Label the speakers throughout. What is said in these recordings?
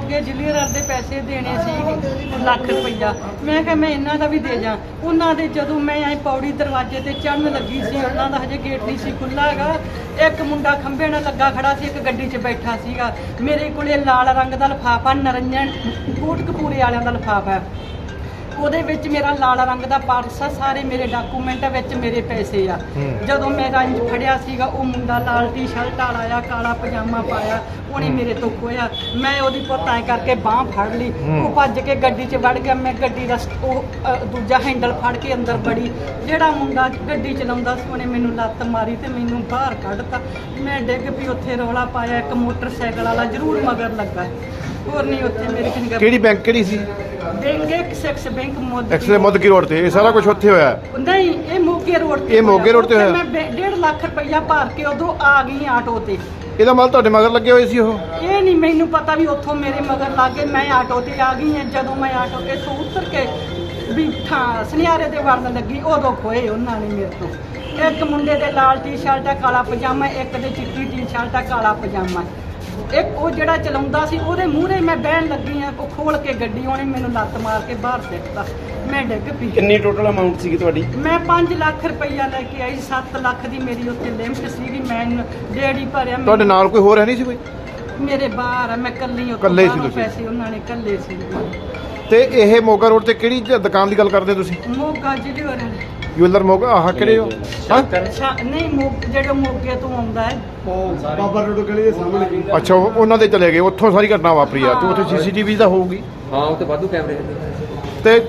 Speaker 1: ਮੋਗੇ ਜ਼ਿਲ੍ਹੇਦਾਰ ਦੇ ਪੈਸੇ ਦੇਣੇ ਸੀ ਲੱਖ ਰੁਪਈਆ। ਮੈਂ ਕਿਹਾ ਮੈਂ ਇਹਨਾਂ ਦਾ ਵੀ ਦੇ ਜਾ। ਉਹਨਾਂ ਦੇ ਜਦੋਂ ਮੈਂ ਐ ਪੌੜੀ ਦਰਵਾਜ਼ੇ ਤੇ ਚੜ੍ਹਨ ਲੱਗੀ ਸੀ, ਉਹਨਾਂ ਦਾ ਹਜੇ ਗੇਟ ਨਹੀਂ ਸੀ ਖੁੱਲ੍ਹਾ ਹੈਗਾ। ਇੱਕ ਮੁੰਡਾ ਖੰਭੇ ਨਾਲ ਲੱਗਾ ਖੜਾ ਸੀ, ਇੱਕ ਗੱਡੀ 'ਚ ਬੈਠਾ ਸੀਗਾ। ਮੇਰੇ ਕੋਲੇ ਲਾਲ ਰੰਗ ਦਾ ਲਿਫਾਫਾ, ਨਰੰਜਨ ਕੋਟਕਪੂਰੇ ਵਾਲਿਆਂ ਦਾ ਲਿਫਾਫਾ ਹੈ। ਉਹਦੇ ਵਿੱਚ ਮੇਰਾ ਲਾਲ ਰੰਗ ਦਾ ਪਰਸ ਆ, ਸਾਰੇ ਮੇਰੇ ਡਾਕੂਮੈਂਟ ਵਿੱਚ ਮੇਰੇ ਪੈਸੇ ਆ। ਜਦੋਂ ਮੈਂ ਰੰਜ ਫੜਿਆ ਸੀਗਾ, ਉਹ ਮੁੰਡਾ ਲਾਲ ਟੀ-ਸ਼ਰਟ ਵਾਲਾ ਆ, ਕਾਲਾ ਪਜਾਮਾ ਪਾਇਆ, ਉਹਨੇ ਮੇਰੇ ਤੋਂ ਖੋਇਆ। ਮੈਂ ਉਹਦੀ ਪੁੱਤ ਐਂ ਕਰਕੇ ਬਾਂਹ ਫੜ ਲਈ, ਉਹ ਭੱਜ ਕੇ ਗੱਡੀ 'ਚ ਵੜ ਗਿਆ। ਮੈਂ ਗੱਡੀ ਦਾ ਦੂਜਾ ਹੈਂਡਲ ਫੜ ਕੇ ਅੰਦਰ ਵੜੀ। ਜਿਹੜਾ ਮੁੰਡਾ ਗੱਡੀ ਚਲਾਉਂਦਾ ਸੀ, ਉਹਨੇ ਮੈਨੂੰ ਲੱਤ ਮਾਰੀ ਤੇ ਮੈਨੂੰ ਬਾਹਰ ਕੱਢਤਾ। ਮੈਂ ਡਿੱਗ ਪਈ, ਉੱਥੇ ਰੌਲਾ ਪਾਇਆ। ਇੱਕ ਮੋਟਰਸਾਈਕਲ ਵਾਲਾ ਜ਼ਰੂਰ ਮਗਰ ਲੱਗਾ, ਹੋਰ ਨਹੀਂ ਉੱਥੇ ਮੇਰੇ ਕਿੰਨੀ।
Speaker 2: ਕਿਹੜੀ ਬੈਂਕ ਕਿਹੜੀ ਸੀ?
Speaker 1: Bank Axis bank
Speaker 2: Mudki road ਤੇ। ਇਹ ਸਾਰਾ ਕੁਝ ਉੱਥੇ ਹੋਇਆ?
Speaker 1: ਨਹੀਂ, ਇਹ ਮੋਗੇ ਰੋਡ ਤੇ।
Speaker 2: ਇਹ ਮੋਗੇ ਰੋਡ ਤੇ ਹੋਇਆ?
Speaker 1: ਮੈਂ 1.5 ਲੱਖ ਰੁਪਈਆ ਭਰ ਕੇ ਉਦੋਂ ਆ ਗਈ ਆਟੋ ਤੇ।
Speaker 2: ਇਹਦਾ ਮਾਲ ਤੁਹਾਡੇ ਮਗਰ ਲੱਗੇ ਹੋਏ ਸੀ ਉਹ?
Speaker 1: ਇਹ ਨਹੀਂ ਮੈਨੂੰ ਪਤਾ ਵੀ ਉੱਥੋਂ ਮੇਰੇ ਮਗਰ ਲੱਗ ਗਏ। ਮੈਂ ਆਟੋ ਤੇ ਆ ਗਈ ਹਾਂ। ਜਦੋਂ ਮੈਂ ਆਟੋ ਤੇ ਤੋਂ ਉਤਰ ਕੇ ਵੀ ਸੁਨਿਆਰੇ ਦੇ ਵੜਨ ਲੱਗੀ, ਉਦੋਂ ਖੋਏ ਉਹਨਾਂ ਨੇ ਮੇਰੇ ਤੋਂ। ਇੱਕ ਮੁੰਡੇ ਦੇ ਲਾਲ ਟੀ-ਸ਼ਰਟ ਆ, ਕਾਲਾ ਪਜਾਮਾ, ਇੱਕ ਦੇ ਚਿੱਟੀ ਟੀ-ਸ਼ਰਟ ਆ, ਕਾਲਾ ਪਜਾਮਾ। ਇੱਕ ਉਹ ਜਿਹੜਾ ਚਲਾਉਂਦਾ ਸੀ, ਉਹਦੇ ਮੂਹਰੇ ਮੈਂ ਬਹਿਣ ਲੱਗੀ ਆ। ਉਹ ਖੋਲ ਕੇ ਗੱਡੀ, ਉਹਨੇ ਮੈਨੂੰ ਲੱਤ ਮਾਰ ਕੇ ਬਾਹਰ ਸਿੱਟਤਾ। ਮੈਂ ਡਿੱਗ ਪਈ।
Speaker 3: ਕਿੰਨੀ ਟੋਟਲ ਅਮਾਉਂਟ ਸੀਗੀ ਤੁਹਾਡੀ?
Speaker 1: ਮੈਂ 5 ਲੱਖ ਰੁਪਈਆ ਲੈ ਕੇ ਆਈ। 7 ਲੱਖ ਦੀ ਮੇਰੀ ਉੱਥੇ ਲਿਮਟ ਸੀਗੀ। ਮੈਂ ਡੇਢ ਹੀ ਭਰਿਆ।
Speaker 2: ਤੁਹਾਡੇ ਨਾਲ ਕੋਈ ਹੋਰ ਹੈ ਨਹੀਂ ਸੀ ਕੋਈ?
Speaker 1: ਮੇਰੇ ਬਾਹਰ ਆ, ਮੈਂ ਕੱਲੀ
Speaker 2: ਇਕੱਲੇ ਸੀ ਤੁਸੀਂ?
Speaker 1: ਪੈਸੇ ਉਹਨਾਂ ਨੇ ਕੱਲੇ ਸੀ।
Speaker 2: ਤੇ ਇਹ ਮੋਗਾ ਰੋਡ ਤੇ ਕਿਹੜੀ ਦੁਕਾਨ ਦੀ ਗੱਲ ਕਰਦੇ ਤੁਸੀਂ?
Speaker 1: ਮੋਗਾ ਜ਼ਿਲ੍ਹੇਦਾਰ
Speaker 2: ਜੁਐਲਰ ਮੋਗਾ। ਆਹ ਕਿਹੜੇ ਹੋ? ਹਾਂ,
Speaker 1: ਨਹੀਂ, ਜਿਹੜੇ ਮੋਗੇ ਤੋਂ ਆਉਂਦਾ ਹੈ,
Speaker 4: ਬਾਬਾ ਰੋਡ ਗਲੀ ਦੇ ਸਾਹਮਣੇ।
Speaker 2: ਅੱਛਾ, ਉਹਨਾਂ ਦੇ ਚਲੇ ਗਏ। ਉੱਥੋਂ ਸਾਰੀ ਘਟਨਾ ਵਾਪਰੀ ਆ। ਤੇ ਉੱਥੇ ਸੀਸੀਟੀਵੀ ਤਾਂ ਹੋਊਗੀ?
Speaker 3: ਹਾਂ, ਉੱਥੇ ਵਾਧੂ ਕੈਮਰੇ ਨੇ।
Speaker 2: ਤੇ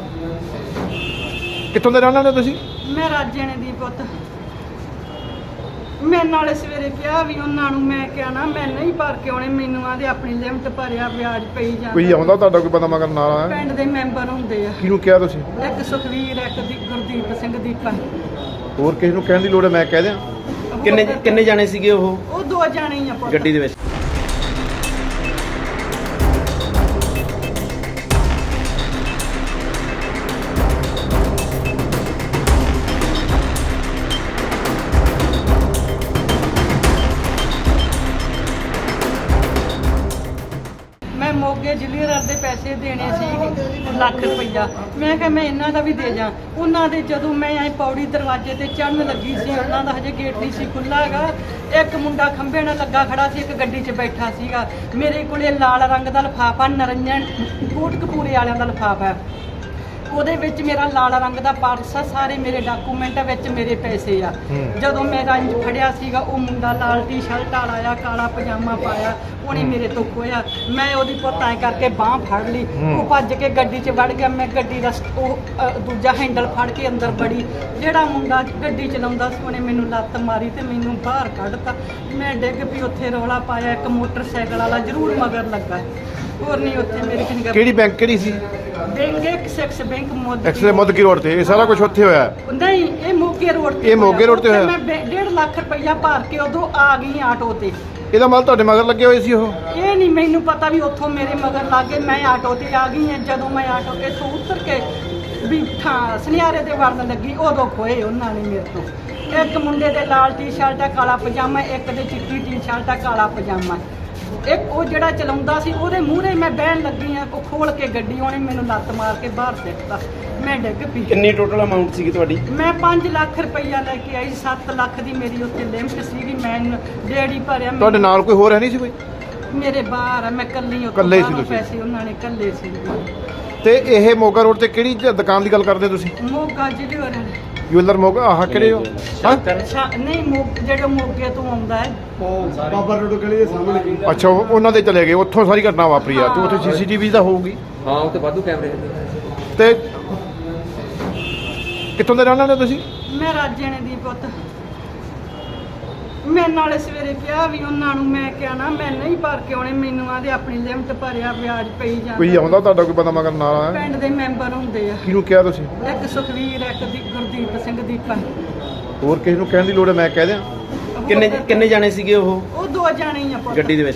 Speaker 2: ਕਿੱਥੋਂ ਦੇ ਰਹਿਣ ਵਾਲੇ ਹੋ ਤੁਸੀਂ?
Speaker 1: ਮੈਂ ਰਾਜੇਣੇ ਦੀ ਪੁੱਤ। ਮੈਂ ਨਾਲੇ ਸਵੇਰੇ ਕਿਹਾ ਵੀ ਉਹਨਾਂ ਨੂੰ, ਮੈਂ ਕਿਹਾ ਨਾ ਮੈਂ ਨਹੀਂ ਭਰ ਕੇ ਆਉਣੇ। ਮੈਨੂੰ ਆਂਦੇ ਆਪਣੀ ਲਿਮਟ ਭਰਿਆ, ਵਿਆਜ ਪਈ ਜਾਂਦਾ।
Speaker 2: ਕੋਈ ਆਉਂਦਾ ਤੁਹਾਡਾ ਕੋਈ ਬੰਦਾ ਮਗਰ ਨਾਲ ਆਇਆ?
Speaker 1: ਪਿੰਡ ਦੇ ਮੈਂਬਰ ਹੁੰਦੇ ਆ।
Speaker 2: ਕਿਹਨੂੰ ਕਿਹਾ ਤੁਸੀਂ?
Speaker 1: ਇੱਕ ਸੁਖਵੀਰ, ਇੱਕ ਦੀ ਗੁਰਦੀਪ ਸਿੰਘ ਦੀਪਾ।
Speaker 2: ਹੋਰ ਕਿਸੇ ਨੂੰ ਕਹਿਣ ਦੀ ਲੋੜ ਹੈ? ਮੈਂ ਕਹਿ ਦਿਆਂ।
Speaker 3: ਕਿੰਨੇ ਜਾਣੇ ਸੀਗੇ ਉਹ
Speaker 1: ਉਹ 2 ਜਾਣੇ ਹੀ ਆ ਪੁੱਤ।
Speaker 3: ਗੱਡੀ ਦੇ ਵਿੱਚ?
Speaker 1: ਮੈਂ ਮੋਗੇ ਜ਼ਿਲ੍ਹੇਦਾਰ ਦੇ ਪੈਸੇ ਦੇਣੇ ਸੀ ਲੱਖ ਰੁਪਈਆ। ਮੈਂ ਕਿਹਾ ਮੈਂ ਇਹਨਾਂ ਦਾ ਵੀ ਦੇ ਜਾ। ਉਹਨਾਂ ਦੇ ਜਦੋਂ ਮੈਂ ਐ ਪੌੜੀ ਦਰਵਾਜ਼ੇ ਤੇ ਚੜ੍ਹਨ ਲੱਗੀ ਸੀ, ਉਹਨਾਂ ਦਾ ਹਜੇ ਗੇਟ ਨਹੀਂ ਸੀ ਖੁੱਲ੍ਹਾ ਹੈਗਾ। ਇੱਕ ਮੁੰਡਾ ਖੰਭੇ ਨਾਲ ਲੱਗਾ ਖੜਾ ਸੀ, ਇੱਕ ਗੱਡੀ 'ਚ ਬੈਠਾ ਸੀਗਾ। ਮੇਰੇ ਕੋਲੇ ਲਾਲ ਰੰਗ ਦਾ ਲਿਫਾਫਾ, ਨਰੰਜਨ ਕੋਟਕਪੂਰੇ ਵਾਲਿਆਂ ਦਾ ਲਿਫਾਫਾ ਹੈ। ਉਹਦੇ ਵਿੱਚ ਮੇਰਾ ਲਾਲ ਰੰਗ ਦਾ ਪਰਸ ਆ, ਸਾਰੇ ਮੇਰੇ ਡਾਕੂਮੈਂਟ ਵਿੱਚ ਮੇਰੇ ਪੈਸੇ ਆ। ਜਦੋਂ ਮੈਂ ਰੰਜ ਫੜਿਆ ਸੀਗਾ, ਉਹ ਮੁੰਡਾ ਲਾਲ ਟੀ-ਸ਼ਰਟ ਵਾਲਾ ਆ, ਕਾਲਾ ਪਜਾਮਾ ਪਾਇਆ, ਉਹਨੇ ਮੇਰੇ ਤੋਂ ਖੋਇਆ। ਮੈਂ ਉਹਦੀ ਪੁੱਤ ਐਂ ਕਰਕੇ ਬਾਂਹ ਫੜ ਲਈ, ਉਹ ਭੱਜ ਕੇ ਗੱਡੀ 'ਚ ਵੜ ਗਿਆ। ਮੈਂ ਗੱਡੀ ਦਾ ਦੂਜਾ ਹੈਂਡਲ ਫੜ ਕੇ ਅੰਦਰ ਵੜੀ। ਜਿਹੜਾ ਮੁੰਡਾ ਗੱਡੀ ਚਲਾਉਂਦਾ ਸੀ, ਉਹਨੇ ਮੈਨੂੰ ਲੱਤ ਮਾਰੀ ਤੇ ਮੈਨੂੰ ਬਾਹਰ ਕੱਢਤਾ। ਮੈਂ ਡਿੱਗ ਪਈ, ਉੱਥੇ ਰੌਲਾ ਪਾਇਆ। ਇੱਕ ਮੋਟਰਸਾਈਕਲ ਵਾਲਾ ਜ਼ਰੂਰ ਮਗਰ ਲੱਗਾ, ਹੋਰ ਨਹੀਂ ਉੱਥੇ ਮੇਰੇ ਕਿੰਨੀ।
Speaker 2: ਕਿਹੜੀ ਬੈਂਕ ਕਿਹੜੀ ਸੀ?
Speaker 1: Bank Axis bank
Speaker 2: Mudki road ਤੇ। ਇਹ ਸਾਰਾ ਕੁਝ ਉੱਥੇ ਹੋਇਆ?
Speaker 1: ਨਹੀਂ, ਇਹ ਮੋਗੇ ਰੋਡ ਤੇ।
Speaker 2: ਇਹ ਮੋਗੇ ਰੋਡ ਤੇ ਹੋਇਆ?
Speaker 1: ਮੈਂ 1.5 ਲੱਖ ਰੁਪਈਆ ਭਰ ਕੇ ਉਦੋਂ ਆ ਗਈ ਆਟੋ ਤੇ।
Speaker 2: ਇਹਦਾ ਮਾਲ ਤੁਹਾਡੇ ਮਗਰ ਲੱਗੇ ਹੋਏ ਸੀ ਉਹ?
Speaker 1: ਇਹ ਨਹੀਂ ਮੈਨੂੰ ਪਤਾ ਵੀ ਉੱਥੋਂ ਮੇਰੇ ਮਗਰ ਲੱਗ ਗਏ। ਮੈਂ ਆਟੋ ਤੇ ਆ ਗਈ ਹਾਂ। ਜਦੋਂ ਮੈਂ ਆਟੋ ਤੇ ਤੋਂ ਉਤਰ ਕੇ ਵੀ ਸੁਨਿਆਰੇ ਦੇ ਵੜਨ ਲੱਗੀ, ਉਦੋਂ ਖੋਏ ਉਹਨਾਂ ਨੇ ਮੇਰੇ ਤੋਂ। ਇੱਕ ਮੁੰਡੇ ਦੇ ਲਾਲ ਟੀ-ਸ਼ਰਟ ਆ, ਕਾਲਾ ਪਜਾਮਾ, ਇੱਕ ਦੇ ਚਿੱਟੀ ਟੀ-ਸ਼ਰਟ ਆ, ਕਾਲਾ ਪਜਾਮਾ। ਇੱਕ ਉਹ ਜਿਹੜਾ ਚਲਾਉਂਦਾ ਸੀ, ਉਹਦੇ ਮੂਹਰੇ ਮੈਂ ਬਹਿਣ ਲੱਗੀ ਆ। ਉਹ ਖੋਲ ਕੇ ਗੱਡੀ, ਉਹਨੇ ਮੈਨੂੰ ਲੱਤ ਮਾਰ ਕੇ ਬਾਹਰ ਸਿੱਟਤਾ। ਮੈਂ ਡਿੱਗ ਪਈ।
Speaker 3: ਕਿੰਨੀ ਟੋਟਲ ਅਮਾਉਂਟ ਸੀਗੀ ਤੁਹਾਡੀ?
Speaker 1: ਮੈਂ 5 ਲੱਖ ਰੁਪਈਆ ਲੈ ਕੇ ਆਈ। 7 ਲੱਖ ਦੀ ਮੇਰੀ ਉੱਥੇ ਲਿਮਟ ਸੀਗੀ। ਮੈਂ ਡੇਢ ਹੀ ਭਰਿਆ।
Speaker 2: ਤੁਹਾਡੇ ਨਾਲ ਕੋਈ ਹੋਰ ਹੈ ਨਹੀਂ ਸੀ ਕੋਈ?
Speaker 1: ਮੇਰੇ ਬਾਹਰ ਆ, ਮੈਂ ਕੱਲੀ
Speaker 2: ਇਕੱਲੇ ਸੀ ਤੁਸੀਂ?
Speaker 1: ਪੈਸੇ ਉਹਨਾਂ ਨੇ ਕੱਲੇ ਸੀ।
Speaker 2: ਤੇ ਇਹ ਮੋਗਾ ਰੋਡ ਤੇ ਕਿਹੜੀ ਦੁਕਾਨ ਦੀ ਗੱਲ ਕਰਦੇ ਤੁਸੀਂ?
Speaker 1: ਮੋਗਾ ਜ਼ਿਲ੍ਹੇਦਾਰ
Speaker 2: ਜੁਐਲਰ ਮੋਗਾ। ਆਹ ਕਿਹੜੇ ਹੋ? ਹਾਂ,
Speaker 1: ਨਹੀਂ, ਜਿਹੜੇ ਮੋਗੇ ਤੋਂ ਆਉਂਦਾ ਹੈ,
Speaker 4: ਬਾਬਾ ਰੋਡ ਗਲੀ ਦੇ ਸਾਹਮਣੇ।
Speaker 2: ਅੱਛਾ, ਉਹਨਾਂ ਦੇ ਚਲੇ ਗਏ। ਉੱਥੋਂ ਸਾਰੀ ਘਟਨਾ ਵਾਪਰੀ ਆ। ਤੇ ਉੱਥੇ ਸੀਸੀਟੀਵੀ ਤਾਂ ਹੋਊਗੀ?
Speaker 3: ਹਾਂ, ਉੱਥੇ ਵਾਧੂ ਕੈਮਰੇ ਨੇ।
Speaker 2: ਤੇ ਕਿੱਥੋਂ ਦੇ ਰਹਿਣ ਵਾਲੇ ਹੋ ਤੁਸੀਂ?
Speaker 1: ਮੈਂ ਰਾਜੇਣੇ ਦੀ ਪੁੱਤ। ਮੈਂ ਨਾਲੇ ਸਵੇਰੇ ਕਿਹਾ ਵੀ ਉਹਨਾਂ ਨੂੰ, ਮੈਂ ਕਿਹਾ ਨਾ ਮੈਂ ਨਹੀਂ ਭਰ ਕੇ ਆਉਣੇ। ਮੈਨੂੰ ਆਂਦੇ ਆਪਣੀ ਲਿਮਟ ਭਰਿਆ, ਵਿਆਜ ਪਈ ਜਾਂਦਾ।
Speaker 2: ਕੋਈ ਆਉਂਦਾ ਤੁਹਾਡਾ ਕੋਈ ਬੰਦਾ ਮਗਰ ਨਾਲ ਆਇਆ?
Speaker 1: ਪਿੰਡ ਦੇ ਮੈਂਬਰ ਹੁੰਦੇ ਆ।
Speaker 2: ਕਿਹਨੂੰ ਕਿਹਾ ਤੁਸੀਂ?
Speaker 1: ਇੱਕ ਸੁਖਵੀਰ, ਇੱਕ ਦੀ ਗੁਰਦੀਪ ਸਿੰਘ ਦੀਪਾ।
Speaker 2: ਹੋਰ ਕਿਸੇ ਨੂੰ ਕਹਿਣ ਦੀ ਲੋੜ ਹੈ? ਮੈਂ ਕਹਿ ਦਿਆਂ।
Speaker 3: ਕਿੰਨੇ ਜਾਣੇ ਸੀਗੇ ਉਹ
Speaker 1: ਉਹ 2 ਜਾਣੇ ਹੀ ਆ ਪੁੱਤ।
Speaker 3: ਗੱਡੀ ਦੇ ਵਿੱਚ?